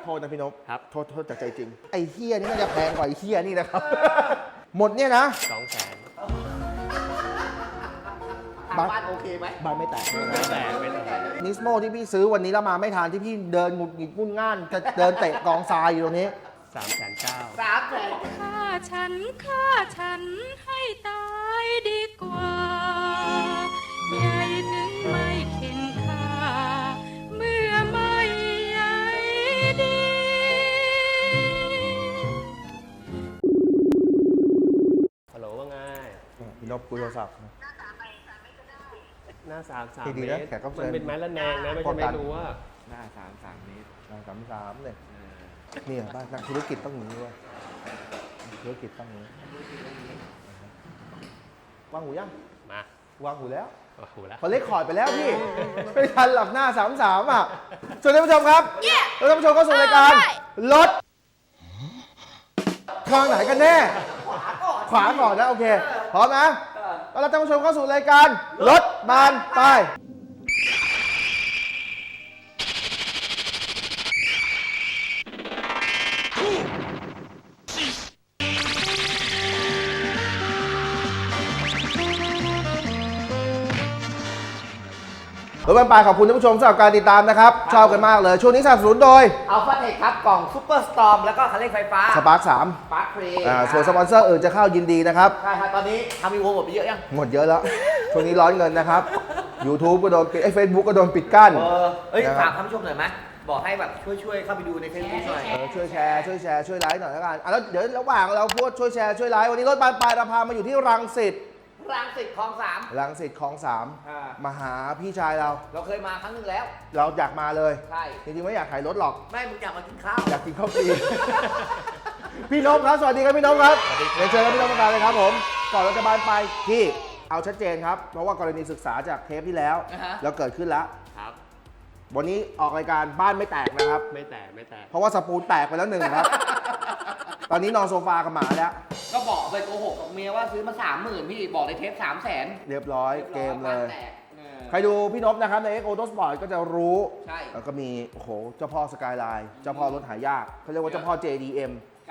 ทษนะพี่นพครับโทษจากใจจริงไอ้เฮียนี่น่าจะแพงกว่าไอ้เฮียนี่นะครับ หมดเนี่ยนะ 200,000 ทางบ้านโอเคไหมบ้านไม่แตกไม่แตกไม่แตกนิสโมที่พี่ซื้อวันนี้แล้วมาไม่ทานที่พี่เดินหงุดหงิดงุ่นง่านจะเดินเตะกองทรายอยู่ตรงนี้ 3,900,000 300,000 ฆ่าฉันให้ตายดีกว่าใหญ่ถึงไม่เข็นค่าเมื่อไม่ใหญ่ดีฮัลโหลว่าไงพี่นพคุยโทรศัพท์หน้า3 ดีเมนะตรแขกรับเชิญมันเป็นไม้ละแนงนะไม่ป้อใช่งกันไม่รู้ว่าหน้า3เมตร 3เนี่ยเนี่ยบ้านนักธุรกิจต้องอย่างนี้ด้วยธุรกิจต้องอย่างนี้วางหูยังมาวางหูแล้วโอ้โหแล้วเขาเล็กคอร์ดไปแล้วพี่ ไม่ทันหลับหน้า33อ่ะสวัสดีท่านผู้ชมครับแล้วท่านผู้ชมเข้าสู่รายการรถทางไหนกันแน่ ขวาก่อนนะโอเคพร้อมนะแล้วท่านผู้ชมเข้าสู่รายการรถบานไปรถบานไปขอบคุณท่านผู้ชมสำหรับการติดตามนะครับชอบกันมากเลยช่วงนี้สนับสนุนโดยอัลฟาเทคครับ กล่องซูเปอร์สตอร์มแล้วก็คันเร่งไฟฟ้าสปาร์ค3 สปาร์คเพลย์ส่วนสปอนเซอร์อื่นจะเข้ายินดีนะครับใช่ครับตอนนี้ทำอีโวหมดไปเยอะยังหมดเยอะแล้ว ช่วงนี้ร้อนเงินนะครับ YouTube ก็โดนปิดเฟซบุ๊กก็โดนปิดกั้นเอ้ยนะครับฝากท่านผู้ชมหน่อยไหมบอกให้แบบช่วยเข้าไปดูในเฟซบุ๊กหน่อยช่วยแชร์ช่วยไลค์หน่อยแล้วกันแล้วเดี๋ยวระหว่างเราพูดช่วยแชร์ช่วยไลค์วันนี้รถบานปลายเราพามาอยู่ที่รังสิตรังสิตคลอง 3 รังสิตคลองอ่า 3มาหาพี่ชายเราเราเคยมาครั้งหนึงแล้วเราอยากมาเลยใช่จริงๆไม่อยากขายรถหรอกไม่มึงอยากมากินข้าวอยากกินข้าวฟรี พี่นพครับสวัสดีครับพี่นพครับเรียนเชิญครับพี่นพมาเลยครับผมก่อนเราจะบานไปพี่เอาชัดเจนครับเพราะว่ากรณีศึกษาจากเทปที่แล้วอ่าฮะแล้วเกิดขึ้นแล้วครับวันนี้ออกรายการบ้านไม่แตกนะครับไม่แตกไม่แตกเพราะว่าสปูนแตกไปแล้วหนึ่งครับ ตอนนี้นอนโซฟากับหมาแล้วก็บอกไปโกหกกับเมียว่าซื้อมา 30,000 พี่บอกในเทป 300,000 เรียบร้อยเกมเลยแตกใครดูพี่นพนะครับใน X Auto Sport ก็จะรู้ใช่แล้วก็มีโอ้โหเจ้าพ่อสกายไลน์เจ้าพ่อรถหายากเขาเรียกว่าเจ้าพ่อ JDM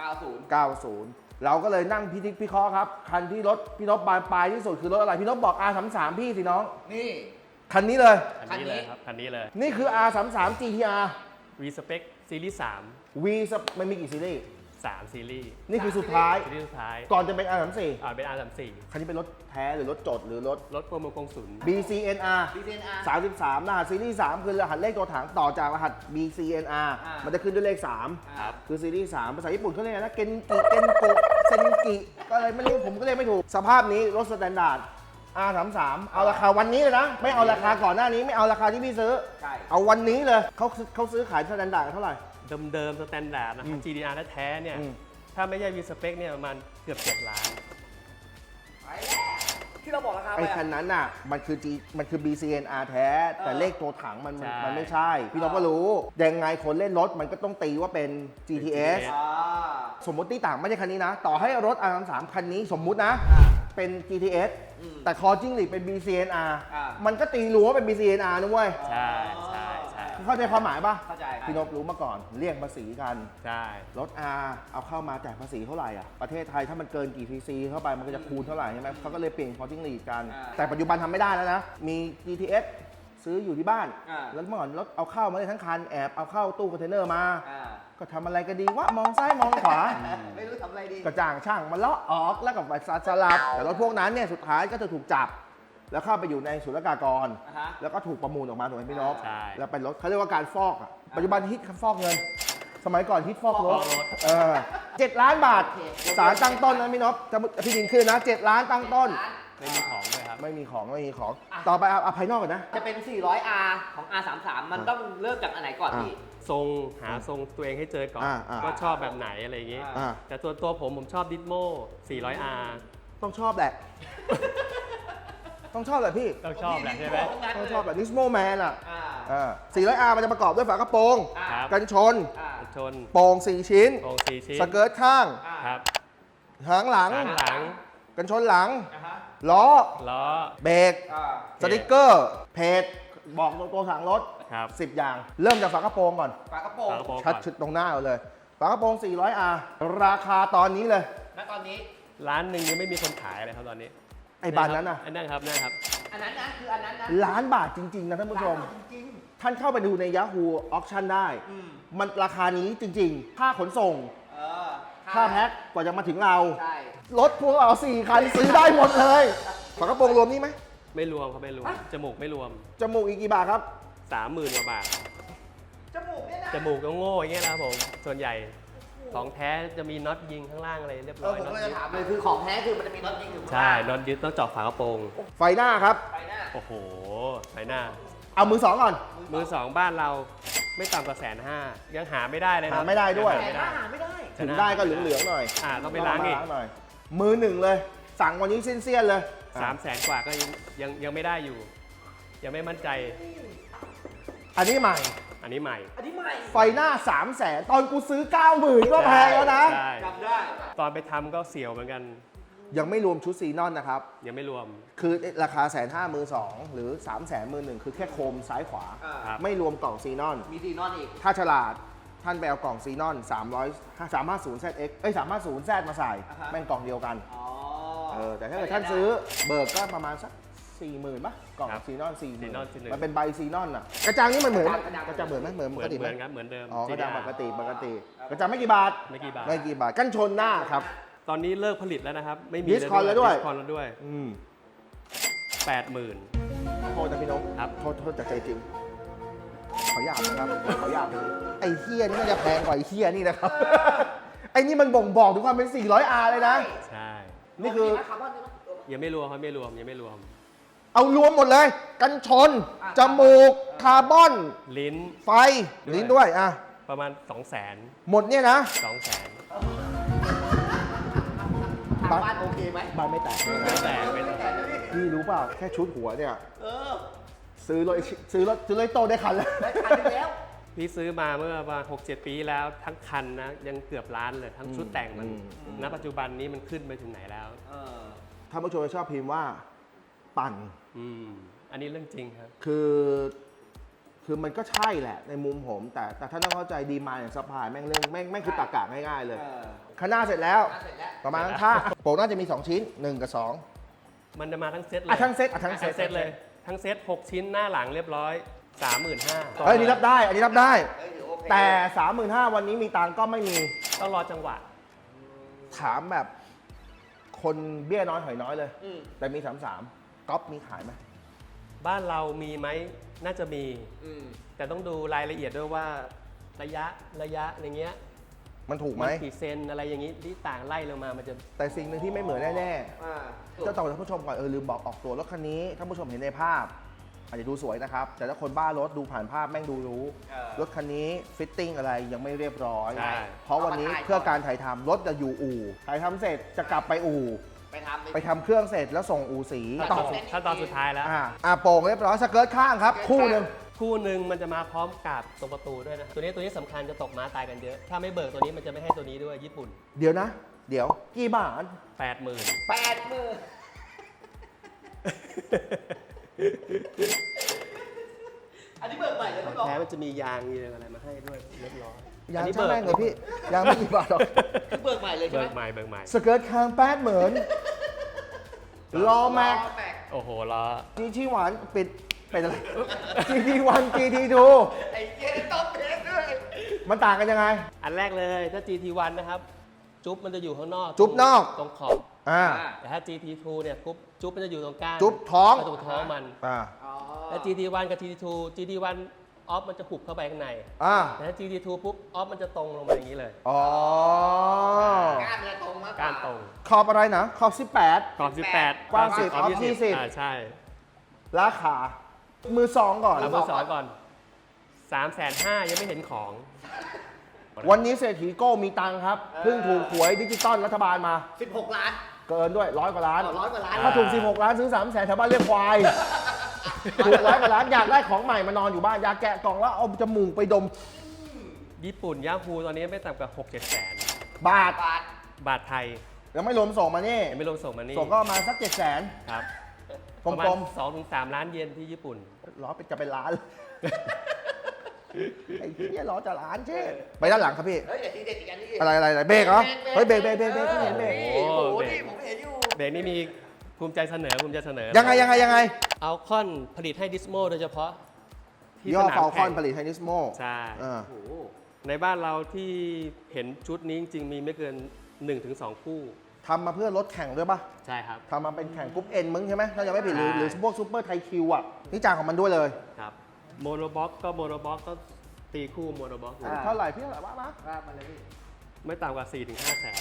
90 90 เราก็เลยนั่งพิเคราะห์ครับ คันที่รถพี่นพบานปลายที่สุดคือรถอะไร พี่นพบอก R33 พี่สิน้องนี่คันนี้เลยคันนี้เลยครับคันนี้เลยนี่คือ R33 GTR V Spec ซีรีส์ V มันมีกี่ซีรีส์ 3ซีรีส์นี่คือสุดท้ายซีรีส์สุดท้ายก่อนจะเป็น R34 เป็น R34 คันนี้เป็นรถแท้หรือรถจดหรือรถรถโปรโมกงศูนย์ BCNR DCNR 33รหัสซีรีส์3คือรหัสเลขตัวถังต่อจากรหัส BCNR อ่ามัมันจะขึ้นด้วยเลขครับ 3 คือซีรีส์3ภาษาญี่ปุ่นเขาเรียกอะไรนะ เกนกิ เกนโกะเซนกิ ก็อะไรไม่รู้ผมก็เรียกไม่ถูก สภาพนี้รถสแตนดาร์ด R33 เอาราคาวันนี้เลยนะ ไม่เอาราคาก่อนหน้านี้ ไม่เอาราคาที่พี่ซื้อใช่เอาวันนี้เลยเขาซื้อขายสแตนดาร์ดกันเท่าไหร่เดิมๆสแตนดาร์ดนะครับ GDR แท้ๆเนี่ย ถ้าไม่ใช่ V Spec เนี่ยประมาณเกือบ7 ล้านไปแล้วที่เราบอกราคาไปไอ้อะคันนั้นน่ะมันคือ BCNR แท้ แต่เลขตัวถังมันใช่มันไม่ใช่ พี่น้องก็รู้ ยังไงคนเล่นรถมันก็ต้องตีว่าเป็น GTS อ่าสมมติที่ต่างไม่ใช่คันนี้นะ ต่อให้รถ R33 คันนี้สมมุตินะ เป็น GTS แต่คอจิ้งหรีดเป็น BCNR มันก็ตีรู้ว่าเป็น BCNR นะเว้ยใช่ใช่ใช่เข้าใจความหมายปะเข้าใจพี่นพรู้มาก่อนเรียกภาษีกันใช่รถ R เอาเข้ามาจ่ายภาษีเท่าไหร่อ่ะ ประเทศไทยถ้ามันเกินกี่ cc เข้าไปมันก็จะคูณเท่าไหร่ใช่ไหมเขาก็เลยเปลี่ยนคอจิ้งหรีดกัน แต่ปัจจุบันทำไม่ได้แล้วนะ มี GTS ซื้ออยู่ที่บ้าน แล้วเมื่อก่อนรถเอาเข้ามาได้ทั้งคันแอบเอาเข้าตู้คอนเทนเนอร์มาอ่าก็ทำอะไรก็ดีวะมองซ้ายมองขวาไม่รู้ทำอะไรดีก็จ้างช่างมาเลาะออกแล้วก็ไปสลับแต่รถพวกนั้นเนี่ยสุดท้ายก็จะถูกจับ แล้วเข้าไปอยู่ในศุลกากรอ่าฮะแล้วก็ถูกประมูลออกมาถูกไหมพี่นพใช่แล้วเป็นรถเขาเรียกว่าการฟอกอ่ะปัจจุบันฮิตฟอกเงิน สมัยก่อนฮิตฟอกรถฟอกรถ 7 ล้านบาทสารตั้งต้นนะพี่นพจะพี่ดินขึ้นนะ 7 ล้านตั้งต้นไม่มีของเลยครับไม่มีของต่อไปเอาภายนอกก่อนนะจะเป็น 400R ของ R33 มันต้องเริ่มจากอันไหนก่อนพี่ทรงหาทรงตัวเองให้เจอก่อน ว่าชอบแบบไหนอะไรอย่างงี้อ่าแต่ตัวผมชอบดิสโม 400R ต้องชอบแหละ ต้องชอบแหละพี่ต้องชอบแหละใช่ไหมต้องชอบแบบนิสโมแมนอ่ะอ่า 400R มันจะประกอบด้วยฝากระโปรงครับกันชนอ่าชนโป่ง4 ชิ้นโครง4 ชิ้นสเกิร์ตข้างครับหางหลังข้างหลังกันชนหลังอ่าฮะล้อล้อเบรกอ่าสติกเกอร์ เพจ บอกตัวถังรถครับ 10 อย่าง เริ่มจากฝากระโปรงก่อนฝากระโปรงฝากระโปรงชัดชุดตรงหน้าเราเลย ฝากระโปรง 400R ราคาตอนนี้เลยณตอนนี้ร้านหนึ่งยังไม่มีคนขายเลยครับตอนนี้ไอ้บานนั้นน่ะอันนั้นครับนั่นครับอันนั้นนะคืออันนั้นนะล้านบาทจริง ๆ นะท่านผู้ชมร้านจริงท่านเข้าไปดูใน Yahoo Auction ได้อืมมันราคานี้จริง ๆ ค่าขนส่งๆเออค่าแพ็คกว่าจะมาถึงเราใช่รถพวกเรา4 คันซื้อได้หมดเลยฝากระโปรงรวมนี่ไหมไม่รวมครับไม่รวม จมูกไม่รวมจมูกอีกกี่บาทครับ 30,000 กว่าบาทจมูกเนี่ยนะจมูกก็โง่อย่างเงี้ยนะครับผม ส่วนใหญ่ของแท้จะมีน็อตยิงข้างล่างอะไรเรียบเอร้ออยผมน็อก็ตจะยึดถามเลยคือของแท้คือมันจะมีน็อตยิงอยู่ข้างใช่ล่างน็อตยึดต้องเจาะฝากระโปรงไฟหน้าครับไปหน้าโอ้โหไปหน้าเอามือสองก่อนมือสองบ้านเราไม่ต่ำกว่า150,000ยังหาไม่ได้เลยนะหาไม่ได้ด้วยงแต่หาหน้าไม่ได้หาไม่ได้ถึงได้ก็เหลืองๆหน่อยต้องไปล้างอีกหน่อย มือหนึ่งเลย สั่งวันนี้เสี้ยนๆเลย 300,000 กว่าก็ยังไม่ได้อยู่ ยังไม่มั่นใจอันนี้ใหม่อันนี้ใหม่อันนี้ใหม่ไฟหน้า 300,000 ตอนกูซื้อ 90,000 ก็แพงแล้วนะใช่จำได้ตอนไปทำก็เสียวเหมือนกันยังไม่รวมชุดซีนอนนะครับยังไม่รวมคือราคา150,000มือสองหรือ 300,000มือหนึ่งคือแค่โคมซ้ายขวาอ่าครับไม่รวมกล่องซีนอนมีดีนอนอีกถ้าฉลาดท่านไปเอากล่องซีนอน350ZX 350Z มาใส่อ่าฮะแม่งกล่องเดียวกันอ๋อแต่ถ้าเกิดท่านซื้อเบิกก็ประมาณสัก 40,000ป่ะกล่องครับซีนอนซีนอน 40,000มันเป็นใบซีนอนอ่ะกระจังนี่มันเหมือนกระจังเหมือนไหมเหมือนเหปมืกอนติไหเหมมือนครับเหมือนเดิมอ๋อกระจัง GDR ปกติกระจังไม่กี่บาทไม่กี่บาทไม่กี่บาทกันชนหน้าครับตอนนี้เลิกผลิตแล้วนะครับ ไม่มี Discon แล้วด้วยดิสคอนแล้วด้วย 80,000 โทษนะพี่นกครับโทษจากใจจริง ขอหยาบนะครับขอหยาบเลยไอ้เฮียนี่น่าจะแพงกว่าไอ้เฮียนี่นะครับ ไอ้นี่มันบ่งบอกถึงความเป็น 400R เลยนะใช่นี่คือคาร์บอนด้วยมั้ยยังไม่รวมครับไม่รวมยังไม่รวมเอารวมหมดเลย กันชนอ่ะจมูก คาร์บอนลิ้นไฟ ลิ้นด้วยอ่ะประมาณ 200,000 หมดเนี่ยนะทางบ้านโอเคไหมบ้านไม่แตกเลยไม่นะแตกไม่แตกพี่รู้เปล่า แค่ชุดหัวเนี่ยเออซื้อรถโตได้คันแล้วได้คันหนึงแล้วพี่ซื้อมาเมื่อประมาณ 6-7 ปีแล้วทั้งคันนะยังเกือบล้านเลยทั้งชุดแต่งมัน ณ ปัจจุบันนี้มันขึ้นไปถึงไหนแล้วเออท่านผู้ชมจะชอบพิมพ์ว่า ปั่นอันนี้เรื่องจริงครับคือมันก็ใช่แหละในมุมผม แต่ท่านต้องเข้าใจดีมานด์อย่างซัพพลายแม่งเรื่องแม่งคือตากะง่ายๆเลยเออข้างหน้าเสร็จแล้วน่าเสร็จแล้วประมาณข้างโปกน่าจะมี 2 ชิ้น 1 กับ 2 มันจะมาทั้งเซตเลยทั้งเซตทั้งเซทั้ตงเซตเลย ทั้งเซต 6 ชิ้นหน้าหลังเรียบร้อย 35,000 เฮ้ยอันนี้รับได้ อันนี้รับได้เอ้ยถือโอเคแต่ 35,000 วันนี้มีตังค์ก็ไม่มีต้องรอจังหวะถามแบบคนเบี้ยน้อยหอยน้อยเลยอืมแต่มี 33ก๊อปมีขายไหมบ้านเรามีไหมน่าจะมีอืมแต่ต้องดูรายละเอียดด้วยว่าระยะอย่างเงี้ยมันถูกไหมมันกี่เซนอะไรอย่างงี้ที่ต่างไล่ลงมามันจะแต่สิ่งหนึ่งที่ไม่เหมือนแน่อ่าๆเจ้าต่อท่านผู้ชมก่อนลืมบอกออกตัวรถคันนี้ท่านผู้ชมเห็นในภาพ อาจจะดูสวยนะครับ แต่ถ้าคนบ้ารถดูผ่านภาพแม่งดูรู้ รถคันนี้ฟิตติ้งอะไรยังไม่เรียบร้อยใช่เพราะวันนี้เพื่อการถ่ายทำรถจะอยู่อู่ถ่ายทำเสร็จจะกลับไปอู่ ไปทำเครื่องเสร็จแล้วส่งอู่สีขั้นตอนสุดท้ายแล้วโป่งเรียบร้อยสเกิร์ตข้างครับ คู่หนึ่งคู่หนึ่งมันจะมาพร้อมกับตรงประตูด้วยนะครับตัวนี้สำคัญจะตกม้าตายกันเยอะ ถ้าไม่เบิกตัวนี้มันจะไม่ให้ตัวนี้ด้วยญี่ปุ่นเดี๋ยวนะ เดี๋ยวกี่บาท 80,000 80,000 อันนี้เบิกใหม่เลยขอพี่งบอกแท้มันจะมียางมีอะไรมาให้ด้วยเรียบร้อยยางอันนี้ช่างแม่งเลยพี่ยางไม่กี่บาทหรอกคือเบิกใหม่เลยใช่เบิไหมกใหม่สเกิร์ตข้าง80,000ล้อแม็กโอ้โหล้อนี่ที่หวานปิดเป็นอะไร GT1 GT2 ไอ้เจ๊ต้องเพชรด้วยมันต่างกันยังไงอันแรกเลยถ้า GT1 นะครับ จุ๊บมันจะอยู่ข้างนอกจุ๊บนอกตรงขอบอ่าแต่ถ้า GT2 เนี่ยจุ๊บมันจะอยู่ตรงกลางจุ๊บท้องตรงท้องมันอ่าอ๋อแล้ว GT1 กับ GT1 ออฟมันจะหุบเข้าไปข้างในอ่าแต่ถ้า GT2 ปุ๊บออฟมันจะตรงลงมาอย่างนี้เลยอ๋อก้านมันจะตรงมากกว่าก้านตรงขอบอะไรนะ ขอบขอบ18 กว้าง10 ขอบออฟ20 ใช่ 18ราคามือสองก่อนเอามือสองก่อน 350,000ยังไม่เห็นของวันนี้เศรษฐีโก้มีตังค์ครับ เพิ่งถูกหวยดิจิตอลรัฐบาลมา 16 ล้านเกินด้วย100 กว่าล้าน 100 กว่าล้านถ้าถูก 16 ล้านซื้อ 300,000แถวบ้านเรียกควาย ถูก100 กว่าล้านอยากได้ของใหม่มานอนอยู่บ้านอยากแกะกล่องแล้วเอาจมูกไปดมญี่ปุ่นยาฮูตอนนี้ไม่ต่ำกว่า 6-7 แสนบาทบาทไทยยังไม่รวมส่งมานี่ยังไม่รวมส่งมานี่ส่งก็ประมาณสัก700,000 ครับกลมๆประมาณ2-3 ล้านเยนที่ญี่ปุ่นร้อยจะเป็นล้านไอ้เหี้ยล้อจะล้านเช่ไปด้านหลังครับพี่เฮ้ยเด็ดอีกอันนี้อะไรเบรกเหรอเฮ้ยเบรกเห็นเบรกโอ้โหนี่ผมเห็นอยู่เบรกนี้มีภูมิใจเสนอยังไงเอาคอนผลิตให้ดิสโมโดยเฉพาะที่ย่อสนามฟอลคแข่อนงผลิตไฮนิสโมใช่โอ้โหในบ้านเราที่เห็นชุดนี้จริงๆมีไม่เกิน 1-2 คู่ทำมาเพื่อรถแข่งด้วยป่ะใช่ครับทำมาเป็นแข่งกรุ๊ปเอ็นมึงใช่ไหมถ้ายังไม่ผิดหรือใช่หรือพวกซูเปอร์ไทคิวอ่ะนี่จางของมันด้วยเลยครับโมโนบ็อกก็ตีคู่โมโนบ็อกเท่าไหร่พี่เท่าไหร่ว่ามาว่ามาเลยพี่ไม่ต่ำกว่า 4-5 แสน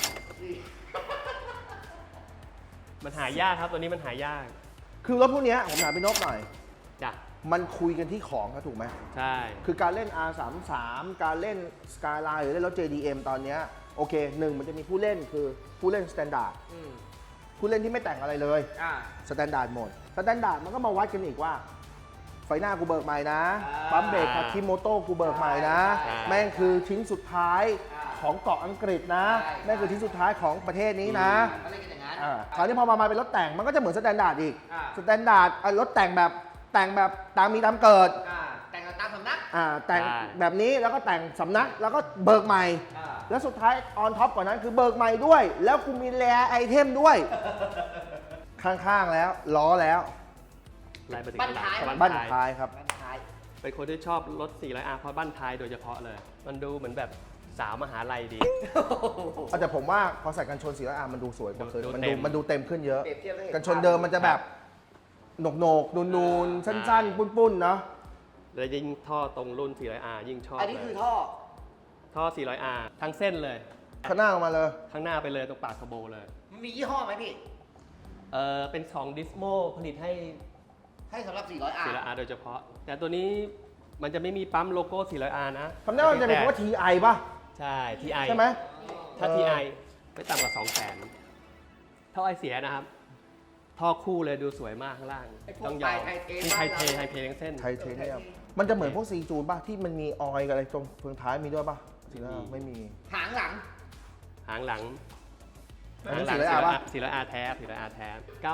มันหายากครับตัวนี้มันหายากคือรถพวกเนี้ยผมถามพี่นพหน่อยจ้ะมันคุยกันที่ของครับถูกไหมใช่คือการเล่น R33 การเล่น Skyline หรือเล่นรถ JDM ตอนเนี้ยโอเคหนึ่งมันจะมีผู้เล่นคือผู้เล่น Standard ผู้เล่นที่ไม่แต่งอะไรเลย Standard หมด Standard มันก็มาวัดกันอีกว่า ไฟหน้ากูเบิกใหม่นะ ปั๊มเบรกคาคิโมโต้กูเบิกใหม่นะ แม่งคือชิ้นสุดท้ายของเกาะอังกฤษนะ แม่งคือชิ้นสุดท้ายของประเทศนี้นะเขาเล่นกันอย่างนั้นคราวนี้พอมาเป็นรถแต่งมันก็จะเหมือน Standard อีกอ่า Standard รถแต่งแบบตามมีตามเกิดแต่งตามสำนักแต่งแบบนี้แล้วก็แต่งสำนักแล้วก็เบิกใหม่ แล้วสุดท้ายออนท็อปกว่านั้นคือเบิกใหม่ด้วย แล้วกูมีแรไอเทมด้วย ข้างๆแล้วล้อแล้วไล่ไปถึงบ้านท้ายบ้านท้ายครับบ้านท้ายเป็นคนที่ชอบรถ 400R เพราะบ้านท้ายโดยเฉพาะเลย มันดูเหมือนแบบสาวมหาลัยดีแต่ผมว่าพอใส่กันชนสีแล้วมันดูสวยกว่าเคยดูมันเต็ดูมมันดูเต็มขึ้นเยอะเปรียบเทียบให้เห็นกันชนเดิมมันจะแบบโหนกนูนๆสั้นๆปุ้นๆเนาะแล้วยิ่งท่อตรงรุ่น 400R ยิ่งชอบอันนี้คือเลยท่อ 400R ทั้งเส้นเลยข้างหน้าออกมาเลยข้างหน้าไปเลยตรงปากคาโบเลยมันมียี่ห้อไหมพี่เป็นของดิสโมผลิตให้ให้สำหรับ 400R 400R โดยเฉพาะ แต่ตัวนี้มันจะไม่มีปั๊มโลโก้ 400R นะคำนี้มันจะเป็นคำว่า TI ป่ะใช่ TI ใช่ไหมถ้า TI ไม่ต่ำกว่า 200,000ท่อไอเสียนะครับ ท่อคู่เลยดูสวยมากข้างล่างไอ้พวกต้องยอมไทเทนี่บ้านเราไทเททั้งเส้นไทเทเนียมมันจะเหมือนพวกซีจูนป่ะที่มันมีออยล์กับอะไรตรงเฟืองท้ายมีด้วยป่ะสีหน้าไม่มีหางหลังหางหลังอันนี้ 400R ป่ะ 400R แท้ 400R แท้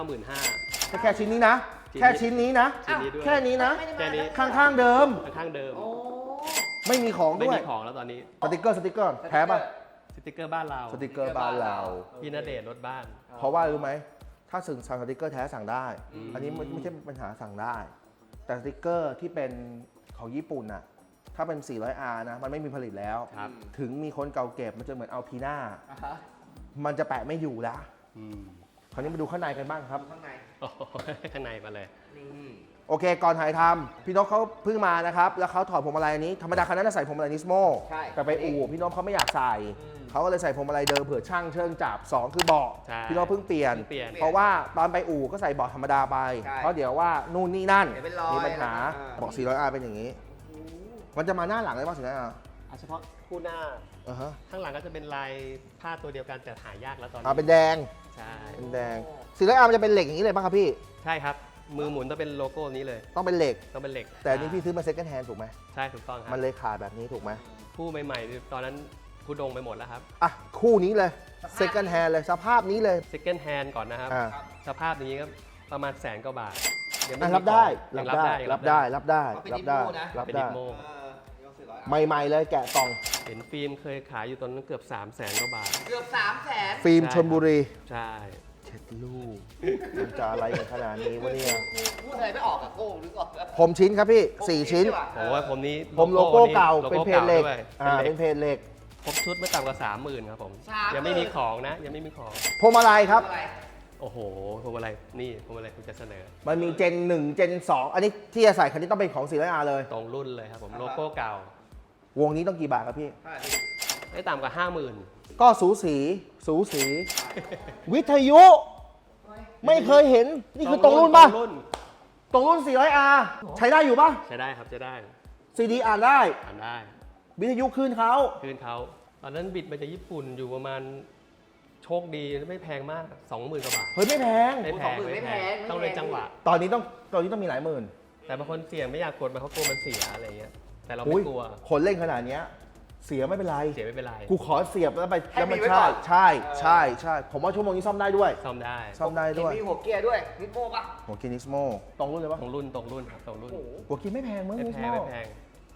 95,000 แค่ชิ้นนี้นะ แค่ชิ้นนี้นะชิ้นนี้ด้วยแค่นี้นะไม่ได้มาแค่นี้ข้างๆเดิมข้างๆเดิมโอ้ไม่มีของไม่ด้วยมีของแล้วตอนนี้สติกเกอร์แท้ป่ะสติกเกอร์บ้านเราสติกเกอร์บ้านเราพี่ณเดชน์รถบ้านเพราะว่ารู้ไหมถ้าสั่งสติกเกอร์แท้สั่งได้ อันนี้ไม่ใช่ปัญหาสั่งได้ แต่สติกเกอร์ที่เป็นของญี่ปุ่นน่ะถ้าเป็น 400R นะมันไม่มีผลิตแล้วครับถึงมีคนเก่าเก็บมันจะเหมือนเอาพีน่าอ่าฮะมันจะแปะไม่อยู่แล้วอืมคราวนี้มาดูข้างในกันบ้างครับข้างในโอ้โหข้างในมาเลยนี่โอเค ก่อนถ่ายทำพี่นพเขาเพิ่งมานะครับ แล้วเขาถอดพวงมาลัยอันนี้ ธรรมดาคันนั้นจะใส่พวงมาลัยนิสโมใช่แต่ไปอู่พี่นพเขาไม่อยากใส่ เขาก็เลยใส่พวงมาลัยเดิมเผื่อช่างเชิงจับ 2 คือเบาะใช่พี่นพเพิ่งเปลี่ยนเพิ่งเปลี่ยนเพราะว่าตอนไปอู่ก็ใส่เบาะธรรมดาไปใช่เพราะเดี๋ยวว่านู่นนี่นั่นเดี๋ยวเป็นรอยมีปัญหาอ่าบอก 400R เป็นอย่างนี้ มันจะมาหน้าหลังเลยป่ะ 400R เฉพาะคู่หน้าอ่าฮะข้างหลังก็จะเป็นลายผ้าตัวเดียวกันแต่หายากแล้วตอนนี้เป็นแดงใช่เป็นแดง 400R มันจะเป็นเหล็กอย่างนี้เลยป่ะครับพี่ใช่ครับ มือหมุนต้องเป็นโลโก้นี้เลยต้องเป็นเหล็กต้องเป็นเหล็กแต่อันนี้พี่ซื้อมา second hand ถูกไหมใช่ถูกต้องครัมันเลยขาดแบบนี้ถูกไหมคู่ใหม่ๆ ตอนนั้นทุดงไปหมดแล้วครับอ่ะคู่นี้เลย second hand เลยสภาพนี้เลย second hand ก่อนนะครับอ่าสภาพอย่างนี้ก็ประมาณ100,000 กว่าบาทยังอ่ะมีรับได้ของรับยังได้ยังรับได้รับได้เอาเป็นรับได้ดิโม่นะรับเป็นได้ดิโมยก 400R ใหม่ๆเลยแกะกล่องเห็นฟิล์มเคยขายอยู่ตอนนั้นเกือบ300,000 กว่าบาทเกือบ300,000 ฟิล์มใช่ชลบุรีใช่เช็ดลูกมันจะอะไรกันขนาดนี้วะเนี่ยพูดอะไรไม่ออกอะโก้หรือก่อนผมชิ้นครับพี่ 4 ชิ้นโอ้ยผมนี้ผมโลโก้เก่าโลเป็นโก้เพจเหล็กด้วยเป็นเพจเหล็กครบชุดไม่ต่ำกว่า 30,000 ครับผม 30,000 ยังไม่มีของนะ ยังไม่มีของพวงมาลัยครับอะไรโอ้โหพวงมาลัยนี่พวงมาลัยคุณจะเสนอมันมีเจน 1 เจน 2 อันนี้ที่จะใส่คันนี้ต้องเป็นของ 400R เลยตรงรุ่นเลยครับผมโลโก้เก่าวงนี้ต้องกี่บาทครับพี่ไม่ต่ำกว่า 50,000 ก็สูสี สูสี วิทยุ ไม่เคยเห็น นี่คือตรงรุ่นป่ะ ตรงรุ่น 400R ใช้ได้อยู่ป่ะใช้ได้ครับใช้ได้ CD อ่านได้อ่านได้วิทยุคลื่นเขาคืนเขาตอนนั้นบิดมาจากญี่ปุ่นอยู่ประมาณโชคดีไม่แพงมาก 20,000 กว่าบาทเฮ้ยไม่แพงไม่แพง 20,000 ไม่แพงไม่แพงต้องเลยจังหวะตอนนี้ต้องมีหลายหมื่นแต่บางคนเสี่ยงไม่อยากกดมาเขากลัวมันเสียอะไรเงี้ยแต่เราอุ๊ไม่ยกลัวคนเล่นขนาดเนี้ยเสียไม่เป็นไรเสียไม่เป็นไรกูขอเสียบแล้วไปให้แล้วมันมีไว้ก่ใช่อนใช่ใช่ใช่ผมว่าชั่วโมงนี้ซ่อมได้ด้วยซ่อมได้ซ่อมได้ด้วยมีหัวเกียร์ด้วยนิโม่ปะหัวกินนิสโมตรงรุ่นเลยปะตรงรุ่นตรงรุ่นครับตรงรุ่นโอ้โหหัวกินไม่แพงมึงไม่นิสแพโมงไม่แพง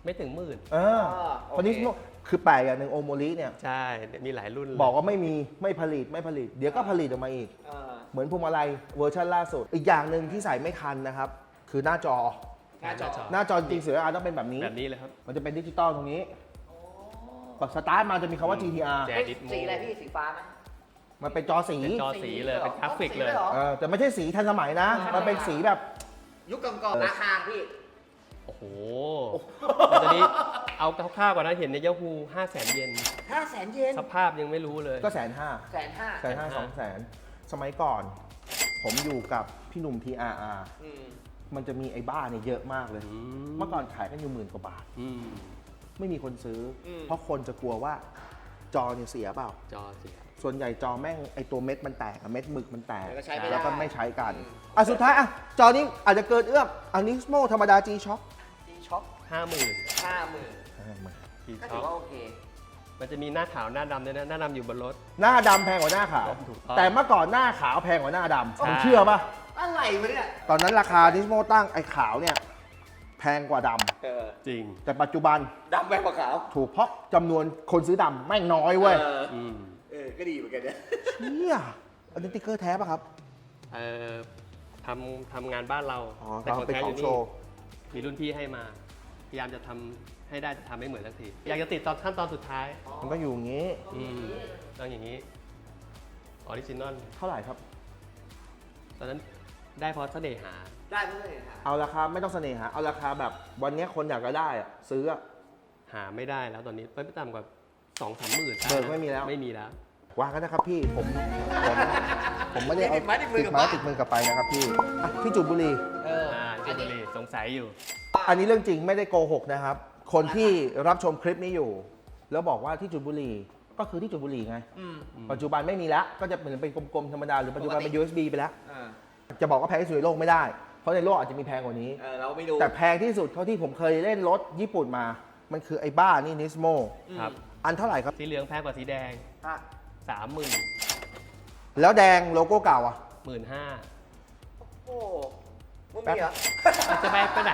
ไม่ถึงหมื่นคนนี้คือแปลกอย่างหนึ่งโอโมริเนี่ยใช่มีหลายรุ่นเลยบอกว่าไม่มีไม่ผลิต เดี๋ยวก็ผลิตออกมาอีก เหมือนพวงมาลัยเวอร์ชันล่าสุด อีกอย่างหนึ่งที่ใส่ไม่ทันนะครับ คือหน้าจอ หน้าจอจริงๆเสืออาต้องเป็นแบบนี้แบบนี้เลยครับมันจะเป็นดิจิตอลตรงนี้พอสตาร์ทมาจะมีคำว่า GTR แจสีอะไรพี่สีฟ้าไหมมันเป็นจอสีเป็นจอสีเลยเป็นกราฟิกเลยแต่ไม่ใช่สีทันสมัยนะ มันเป็นสีแบบยุคก่อนๆราคาพี่โอ้โหตอนนี้เอาคร่าวๆกว่านั้นเห็นในยาฮู500,000 เยน 500,000 เยนสภาพยังไม่รู้เลยก็150,000 150,000 200,000 สมัยก่อน ผมอยู่กับพี่หนุ่ม TRR มันจะมีไอ้บ้าเนี่ยเยอะมากเลย เมื่อก่อนขายกันอยู่10,000 กว่าบาท ไม่มีคนซื้ออเพราะคนจะกลัวว่าจอเนี่ยเสียเปล่าจอเสียส่วนใหญ่จอแม่งไอตัวเม็ดมันแตกอะเม็ดหมึกมันแตกแล้วก็ใช้ไม่ได้แล้วก็ไม่ใช้กันสุดท้ายจอนี้อาจจะเกินเอื้อมอันนี้โมธรรมดา G Shock ดีช็อป 50,000 50,000 ที่ก็ชถืออบ ว่าโอเคมันจะมีหน้าขาวหน้าดำด้วยนะหน้าดำอยู่บนรถหน้าดำแพงกว่าหน้าขาวถูกต้องแต่เมื่อก่อนหน้าขาวแพงกว่าหน้าดำใช่ผมเชื่อป่ะอะไรวะเนี่ยตอนนั้นราคานิสโมตั้งไอ้ขาวเนี่ยแพงกว่าดจริงำแต่ปัจจุบันดำแบงกว่าขาวถูกเพราะจำนวนคนซื้อดำแม่งน้อยเว้ยก็ดีเหมือนกันเนี่ยเชี่ยอันนี้ติ๊กเกอร์แท้ป่ะครับเอ่อทำงานบ้านเรา แต่ของเป็นแท้ขอองยู่โชนี่ว์มีรุ่นพี่ให้มา พยายามจะทำให้ได้แต่ทำไม่เหมือนสักที อยากจะติดตอนขั้นตอนสุดท้ายมันก็อยู่อย่างนี้ต้องอย่างนี้ออริจินอลเท่าไหร่ครับตอนนั้นได้เพราะเสน่หาได้เพื่อนค่ะเอาราคาไม่ต้องเสน่หาเอาราคาแบบวันนี้คนอยากจะได้อะซื้ออะหาไม่ได้แล้วตอนนี้ไม่ต่ำกว่า 2-3 หมื่นเบิกไม่มีแล้วไม่มีแล้ววางกันนะครับพี่ผมไม่ได้เอาติดไม้ติดมือกลับติดไม้บ้านติดมือกลับไปนะครับพี่พี่จุดบุรีจุบุรีสงสัยอยู่อันนี้เรื่องจริงไม่ได้โกหกนะครับ คนที่รับชมคลิปนี้อยู่ แล้วบอกว่าที่จุดบุรีก็คือที่จุดบุรีไง ปัจจุบันไม่มีแล้ว ก็จะเหมือนเป็นกลมๆธรรมดาหรือปัจจุบันเป็น USB ไปแล้ว จะบอกว่าแพงที่สุดในโลกไม่ได้ เพราะในโลกอาจจะมีแพงกว่านี้เราไม่ดูแต่แพงที่สุดเท่าที่ผมเคยเล่นรถญี่ปุ่นมา มันคือไอ้บ้านี่นิสโมครับอันเท่าไหร่ครับสีเหลืองแพงกว่าสีแดง 30,000 แล้วแดงโลโก้เก่าอ่ะ 15,000 โอ้มึงมีเหรอจะไปไหน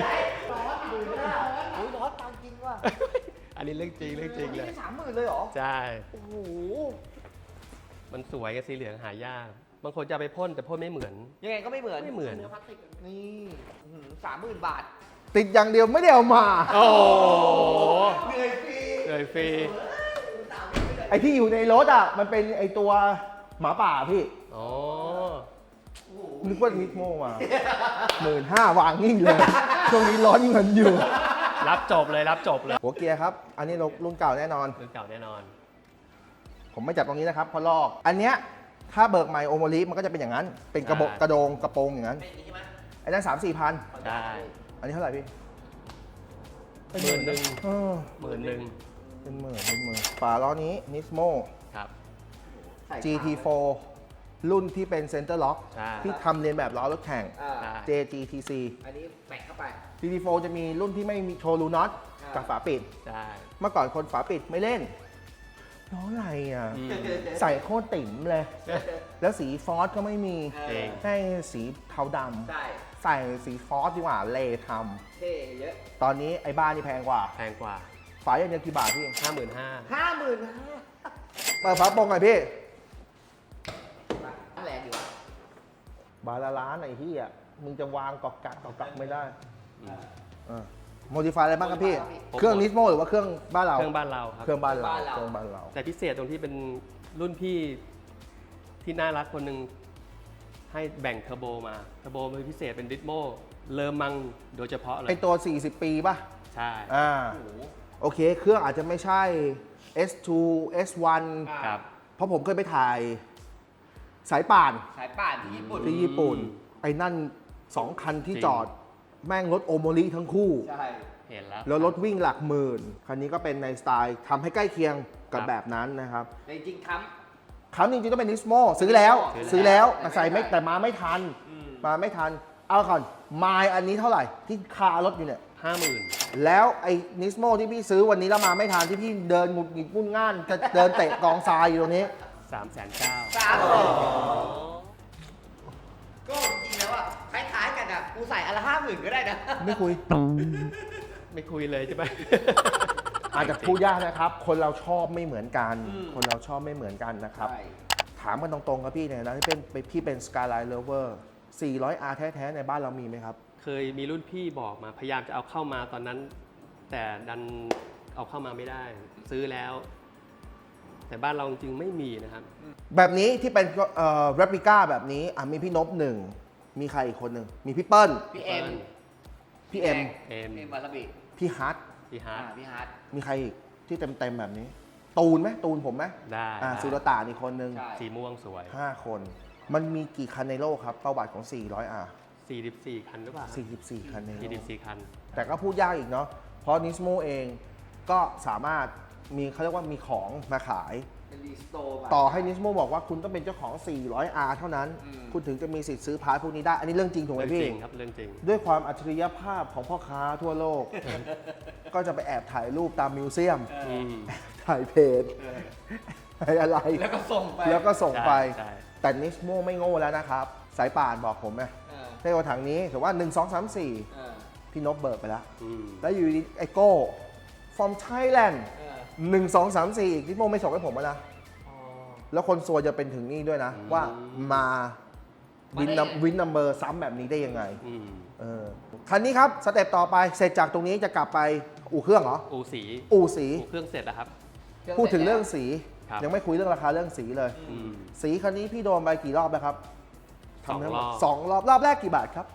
อุ้ยร้อนตามจริงว่ะอันนี้เรื่องจริงเลยนี่30,000เลยเหรอใช่โอ้โหมันสวยกับสีเหลืองหายาก บางคนจะเอาไปพ่นแต่พ่นไม่เหมือนยังไงก็ไม่เหมือนไม่เหมือนนี่30,000 บาทติดอย่างเดียวไม่ได้เอามาโอ้โหเหนื่อยฟรีเลยฟรีไอ้ที่อยู่ในรถอ่ะมันเป็นไอ้ตัวหมาป่าพี่อ๋อนึกว่านิสโมมา15,000วางนิ่งเลย ช่วงนี้ร้อนเงินอยู่รับจบเลยหัวเกียร์ครับ อันนี้รุ่นเก่าแน่นอนรุ่นเก่าแน่นอนผมไม่จับตรงนี้นะครับเพราะลอก อันเนี้ยถ้าเบิกใหม่โอโมลิมันก็จะเป็นอย่างนั้น เป็นกระบอกใช่กระโดงกระโปรงอย่างนั้นเป็นอย่างนี้ใช่ไหมไอ้นั้น3-4 พันใช่อันนี้เท่าไหร่พี่ 11,000 เออ 11,000 เป็นหมื่นฝาล้อนี้นิสโมครับใส่ GT4 รุ่นที่เป็นเซนเตอร์ล็อกใช่ที่ทำเรียนแบบล้อรถแข่งใช่ JGTC อันนี้แปะเข้าไป GT4 จะมีรุ่นที่ไม่มีโชว์รูน็อตกับฝาปิดใช่เมื่อก่อนคนฝาปิดไม่เล่นล้ออะไรอ่ะ ใส่โคตรติ่มเลย แล้วสีฟอสก็ไม่มีเองให้สีเทาดใช่ำใส่สีฟอสดีกว่าเลทเท่เยอะำตอนนี้ไอ้บ้านนี่แพงกว่าแพงกว่าฝาอย่างเดียวกี่บาทพี่ 55,000 50,000 เปิดฝาโปรงหน่อยพี่แรงอยู่บาทละล้านไอ้ที่อ่ะมึงจะวางกอกกักไม่ได้โมดิฟายอะไรบ้างครับพี่ เครื่องนิสโมหรือว่าเครื่องบ้านเราเครื่องบ้านเราครับเครื่องบ้านเราเครื่องบ้านเราแต่พิเศษตรงที่เป็นรุ่นพี่ที่น่ารักคนหนึ่งให้แบ่งเทอร์โบมา เทอร์โบเป็นพิเศษเป็นดิสโมเลอมังโดยเฉพาะเลไอย ตัว 40 ปีป่ะใช่โอเค เครื่องอาจจะไม่ใช่ S2 S1 ครับเพราะผมเคยไปถ่ายสายป่านสายป่านที่ญี่ปุ่นที่ญี่ปุ่น ไอ้นั่น 2 คันที่จอด แม่งรถโอโมริทั้งคู่ใช่เห็นแล้วแล้วรถวิ่งหลักหมื่น คันนี้ก็เป็นในสไตล์ทำให้ใกล้เคียงกับครับแบบนั้นนะครับแต่จริงๆค้คำจริงๆต้องเป็นนิสโมซื้อแล้วซื้อแล้วแต่ใส่ไม่แต่มาไม่ทัน มาไม่ทัน เอาก่อนไมล์อันนี้เท่าไหร่ที่คารถอยู่เนี่ย 50,000 แล้วไอ้นิสโมที่พี่ซื้อวันนี้แล้วมาไม่ทันที่พี่เดินหงุดหงิดวุ่นง่านจะเดินเตะกองทรายอยู่ตรงนี้ 390,000 ก็จริงๆแล้วอ่ะคล้ายๆกันอ่ะ กูใส่อันละ50,000 ก็ได้นะไม่คุยไม่คุยเลยใช่ไหมอาจจะพูดยากนะครับ คนเราชอบไม่เหมือนกัน คนเราชอบไม่เหมือนกันนะครับใช่ถามกันตรงๆครับพี่เนี่ยนะที่เป็นพี่เป็น Skyline Lover 400R แท้ๆในบ้านเรามีไหมครับเคยมีรุ่นพี่บอกมาพยายามจะเอาเข้ามาตอนนั้น แต่ดันเอาเข้ามาไม่ได้ ซื้อแล้ว แต่บ้านเราจริงๆไม่มีนะครับแบบนี้ที่เป็นreplica แบบนี้มีพี่นพหนึ่งมีใครอีกคนหนึ่งมีพี่เปิ้ลพี่เอ็มพี่เอ็มเอ็มเอ็มวาซาบิพี่ฮัทพี่ฮาร์ดพี่ฮาร์ดมีใครอีกที่เต็มๆแบบนี้ ตูนไหมตูนผมไหมได้สุรตานอีกคนหนึ่งใช่สีม่วงสวย 5 คน มันมีกี่คันในโลกครับประวัติของ 400R 44 คันหรือเปล่า 44 คันในโลก 44 คันแต่ก็พูดยากอีกเนาะ เพราะนิสโมเองก็สามารถมีเขาเรียกว่ามีของมาขายเป็นรีสโตร์ต่อให้นิสโมบอกว่าคุณต้องเป็นเจ้าของ 400R เท่านั้น คุณถึงจะมีสิทธิ์ซื้อพาร์ทพวกนี้ได้ อันนี้เรื่องจริงถูกไหมเรื่องพี่จริงครับเรื่องจริงด้วยความอัจฉริยภาพของพ่อค้าทั่วโลก ก็จะไปแอบถ่ายรูปตามมิวเซียม ถ่ายเพจถ่ายอะไรแล้วก็ส่งไปแล้วก็ส่งไปใช่แต่นิสโมไม่โง่แล้วนะครับ สายป่านบอกผมไงเออในกระถางนี้ถือว่า 1 2 3 เออ 4 พี่นพเบิกไปแล้วอืมแล้วอยู่ดีไอโก้ from Thailand เออ 1 2 3 4อีกนิสโมไม่ส่งให้ผมแล้วนะอ๋อแล้วคนซวยจะเป็นถึงนี่ด้วยนะ ว่ามาวินมาได้ไงวินนัมเบอร์ซ้ำแบบนี้ได้ยังไงอืมคันนี้ครับ สเต็ปต่อไปเสร็จจากตรงนี้จะกลับไปอู่เครื่องเหรออูสีอู่สีอูเครื่องเสร็จแล้วครับพูดถึงเรื่องสีครับยังไม่คุยเรื่องราคาเรื่องสีเลยอืมสีคันนี้พี่โดนไปกี่รอบแล้วครับสองทำทั้หมดรอบสองรอบ รอบแรกกี่บาทครับ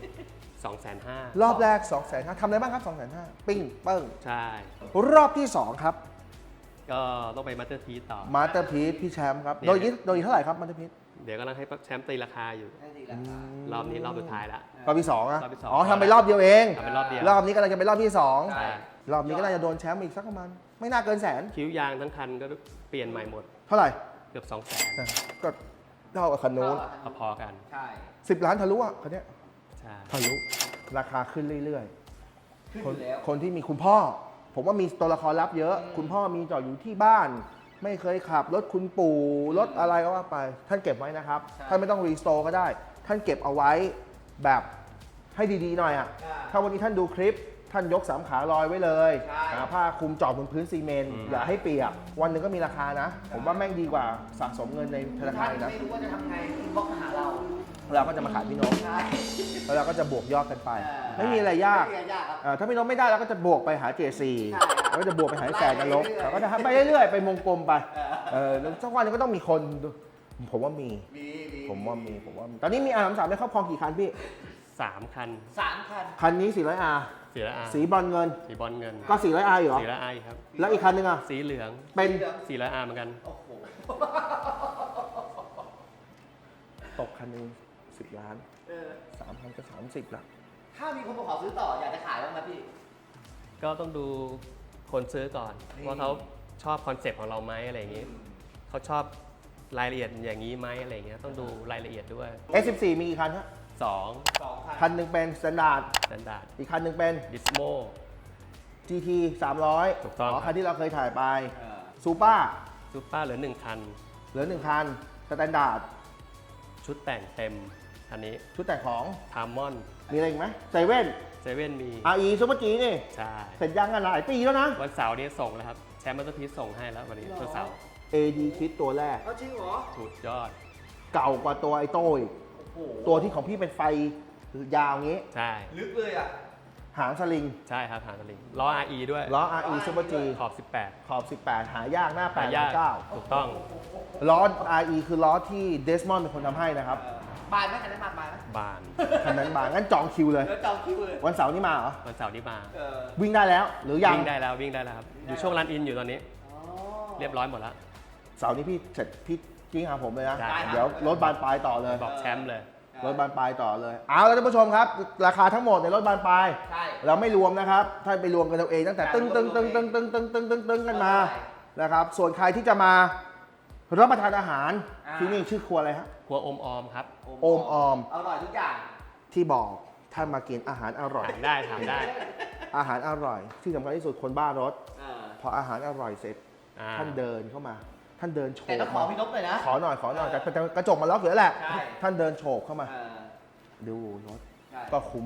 250,000 รอบแรก 250,000ทำอะไรบ้างครับ 250,000ปิ้งเปิ้งใช่รอบที่ 2 ครับก็ต้องไปมาสเตอร์ทีต่อมาสเตอร์พีซพี่แชมป์ครับเนี่ยโดยเท่าไหร่ครับมาสเตอร์พีซเดี๋ยวกำลังให้แชมป์ตีราคาอยู่ได้ดีราคารอบนี้รอบสุดท้ายละรอบที่2อะรอบที่สองอ๋อทำไปรอบเดียวเองทำเป็นรอบเดียวรอบนี้กำลังจะเป็นรอบที่ใช่ 2 รอบนี้ก็น่าจะโดนแชมป์อีกสักประมาณไม่น่าเกินแสนคิ้วยางทั้งคันก็เปลี่ยนใหม่หมดเท่าไหร่เกือบ200,000 ก็เท่ากับคันนู้นพอๆกันใช่ 10 ล้านทะลุอ่ะคันเนี้ยใช่ทะลุราคาขึ้นเรื่อยขึ้นๆอยู่แล้วคนที่มีคุณพ่อ ผมว่ามีตัวละครลับเยอะ คุณพ่อมีจอดอยู่ที่บ้าน ไม่เคยขับรถคุณปู่รถอะไรก็ว่าไป ท่านเก็บไว้นะครับใช่ท่านไม่ต้องรีสโตร์ก็ได้ ท่านเก็บเอาไว้แบบให้ดีๆหน่อยอ่ะใช่ถ้าวันนี้ท่านดูคลิป ท่านยกสามขาลอยไว้เลยใช่หาผ้าคลุมจอดบนพื้นซีเมนต์อย่าให้เปียก วันหนึ่งก็มีราคานะ ผมว่าแม่งดีกว่าสะสมเงินในธนาคารอีกนะไม่รู้ว่าจะทำไงอินบ็อกซ์มาหาเราเราก็จะมาขายพี่น้องใช่แล้วเราก็จะบวกยอดกันไปเออไม่มีอะไรยากไม่มีอะไรยากครับถ้าพี่น้องไม่ได้เราก็จะบวกไปหา JC ใช่แล้วก็จะบวกไปหาแสนนรกไล่ไปเรื่อยๆเราก็จะทำไปเรื่อยๆ ไปวงกลมไปแล้วสักวันหนึงก็ต้องมีคนดูผมว่ามี ผมว่ามี ตอนนี้มีR33ในครอบครองกี่คันพี่ 3 คัน 3 คันคันนี้ 400R สีละอาสีบอลเงินสีบอลเงินก็ 400R อยู่เหรอสีละอาครับแล้วอีกคันหนึงอ่ะสีเหลืองเป็นสีละอาเหมือนกันโอ้โหตกคันหนึง10 ล้านเออ 3 คันก็30ละถ้ามีคนมาขอซื้อต่ออยากจะขายบ้างไหมพี่ก็ต้องดูคนซื้อก่อนนี่ว่าเขาชอบคอนเซปต์ของเราไหมอะไรอย่างนี้ เขาชอบรายละเอียดอย่างนี้ไหมอะไรอย่างเงี้ยต้องดูรายละเอียดด้วย S14 มีกี่คันฮะ 2 2 คันคันหนึ่งเป็น Standard สแตนดาร์ดอีกคันหนึ่งเป็นดิสโม GT 300 ถูกต้องคันที่เราเคยถ่ายไปเออซูเปอร์ซูเปอร์เหลือ 1 คันเหลือ1คัน Standard ชุดแต่งเต็มอันนี้ชุดแต่งของทามมอนมีอะไรอีกไหมเซเว่นเซเว่นมี RE ซูเปอร์จีนี่ใช่เสร็จยังกันหลายปีแล้วนะวันเสาร์นี้ส่งแล้วครับ แชมป์มัตเตอร์พีซส่งให้แล้ววันนี้วันเสาร์ AD คิดตัวแรกเอาจริงเหรอสุดยอดเก่ากว่าตัวไอโต้อีกโอ้โหตัวที่ของพี่เป็นไฟยาวงี้ใช่ลึกเลยอ่ะหางสลิงใช่ครับหางสลิงล้อ RE ด้วยล้อ RE ซูเปอร์จีขอบขอบ 18 หายากหน้า 18หายาก 8 ถูกต้อง 9ล้อ RE คือล้อที่เดสมอนเป็นคนทำให้นะครับบานไหมคันนั้นบานไหมบานคันนั้นบางงั้นจองคิวเลยแล้วจองคิวเลยวันเสาร์นี้มาเหรอวันเสาร์นี้มาเออวิ่งได้แล้ว หรือยังวิ่งได้แล้ววิ่งได้แล้วครับ อยู่ช่วงรันอินอยู่ตอนนี้อ๋อเรียบร้อยหมดแล้วเสาร์นี้พี่เสร็จพี่กิ้งหาผมเลยนะได้เดี๋ยวรถบานปลายต่อเลยบอกแชมป์เลยรถบานปลายต่อเลย เอาละท่านผู้ชมครับ ราคาทั้งหมดในรถบานปลายใช่เราไม่รวมนะครับ ถ้าไปรวมกันเอาเองตั้งแต่ตึ้งตึ้งตึ้งตึ้งตึ้งตึ้งตึ้งตึ้งตึ้งกันมานะครับ ส่วนใครที่จะมารับประทานอาหารที่นี่ชื่อครัวอะไรฮะครัวอมออมครับโอมออมอร่อยทุกอย่างที่บอกท่านมากินอาหารอร่อยถามได้ถามได้อาหารอร่อย ที่สำคัญที่สุดคนบ้ารถเออพออาหารอร่อยเสร็จอ่าท่านเดินเข้ามา ท่านเดินโฉแต่บต้องขอพี่นกเลยนะขอหน่อยแต่กระจกมาล็อกอยู่แล้วแหละใช่ท่านเดินโฉบเข้ามาเออดูรถใช่ก็คุ้มแล้ว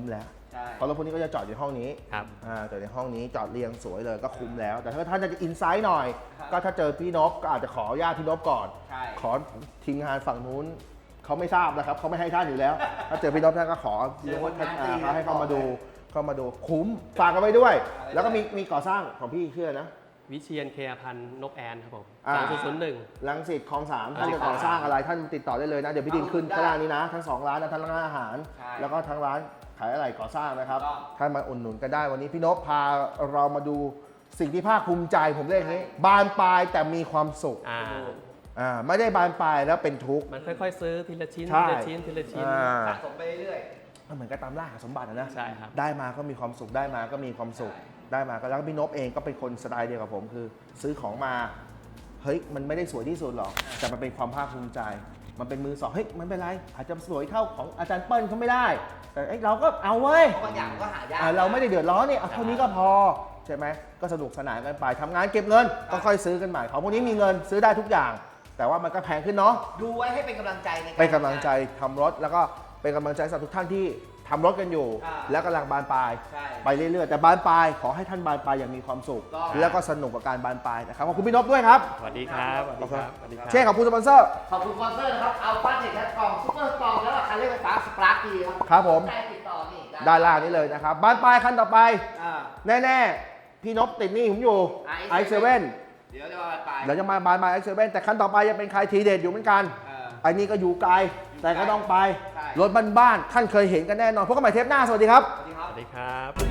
ใช่เพราะรถพวกนี้ก็จะจอดอยู่ห้องนี้ครับจอดในห้องนี้จอดเรียงสวยเลยก็คุ้มแล้ว แต่ถ้าท่านจะอินไซด์หน่อยครับก็ถ้าเจอพี่นพก็อาจจะขออนุญาตพี่นพก่อนใช่ขอทีมงานฝั่งนู้นเขาไม่ทราบนะครับเขาไม่ให้ท่านอยู่แล้ว ถ้าเจอพี่นพท่านก็ขอเจอคนงานตีให้เข้ามาดูคุ้มฝากกันไว้ด้วย แล้วก็มีก่อสร้างของพี่ชื่อนะวิเชียนเคพันธ์นกแอนครับผม 2001 รังสิตคลองสามรัท่าง นสิตจะก่อสร้างอะไรท่านติดต่อได้เลยนะ เดี๋ยวพี่ดินขึ้นได้ข้างล่างนี้นะ ทั้ง2ร้านนะทั้งร้านอาหารใช่แล้วก็ทั้งร้านขายอะไรก่อสร้างนะครับถูกต้องท่านมาอุดหนุนกันได้วันนี้พี่นพพาเรามาดูสิ่งที่ภาคภูมิใจผมเรียกอย่างนี้ บานปลายแต่มีความสุข ไม่ได้บานปลายแล้วเป็นทุกข์มันค่อยๆ ซื้อทีละชิ้นใช่ทีละชิ้นทีละชิ้นสะสมไปเรื่อยมันเหมือนกับตามล่าหาสมบัตินะใช่ครับได้มาก็มีความสุขได้มาก็มีความสุขได้มาก็แล้วก็พี่นพเองก็เป็นคนสไตล์เดียวกับผมคือ ซื้อของมาเฮ้ยมันไม่ได้สวยที่สุดหรอกแต่มันเป็นความภาคภูมิใจ มันเป็นมือสองเฮ้ยมันเป็นไรอาจจะสวยเท่าของอาจารย์เปิ้ลเขาไม่ได้ แต่เอ้ยเราก็เอาเว้ยเพราะบางอย่างมันก็หายากเราไม่ได้เดือดร้อนนี่เอาเท่านี้ก็พอใช่ไหมก็สนุกสนานกันไปทำงานเก็บเงินก็ค่อยซื้อกันใหม่ของพวกนี้มีเงินซื้อได้ทุกอย่าง แต่ว่ามันก็แพงขึ้นเนาะดูไว้ให้เป็นกำลังใจในารเป็นกำลังใจทำรถแล้วก็เป็นกำลังใจสำหรับทุกท่านที่ทำรถกันอยู่ แล้วกำลังบานปลายใช่ไปเรื่อยๆแต่บานปลายขอให้ท่านบานปลายอย่างมีความสุขต้องแล้วก็สนุกกับการบานปลายนะครับขอบคุณพี่นพด้วยครับสวัสดีครับสวัสดีครับสวัสดีครับเช่ขอบคุณสปอนเซอร์ขอบคุณสปอนเซอร์นะครับ เอาป้าเด็กแคทกล่องซุปเปอร์สตอร์แล้วก็คันเร่งไฟฟ้าสปาร์คดีครับครับผมได้ติดต่อนี่ด้านล่างนี้เลยนะครับบานปลายคันต่อไปอ่าแน่ๆพี่นพติดหนี่ผมอยู่ i7 i7 เดี๋ยวจะมาไปเดี๋ยวจะมาบานปลาย i7 แต่คันต่อไปจะเป็นใครทีเด็ดอยู่เหมือนกัน ไอ้นี่ก็อยู่ไกลแต่ก็ต้องไปใช่รถบ้านๆท่านเคยเห็นกันแน่นอนพบกันใหม่เทปหน้าสวัสดีครับสวัสดีครับสวัสดีครับ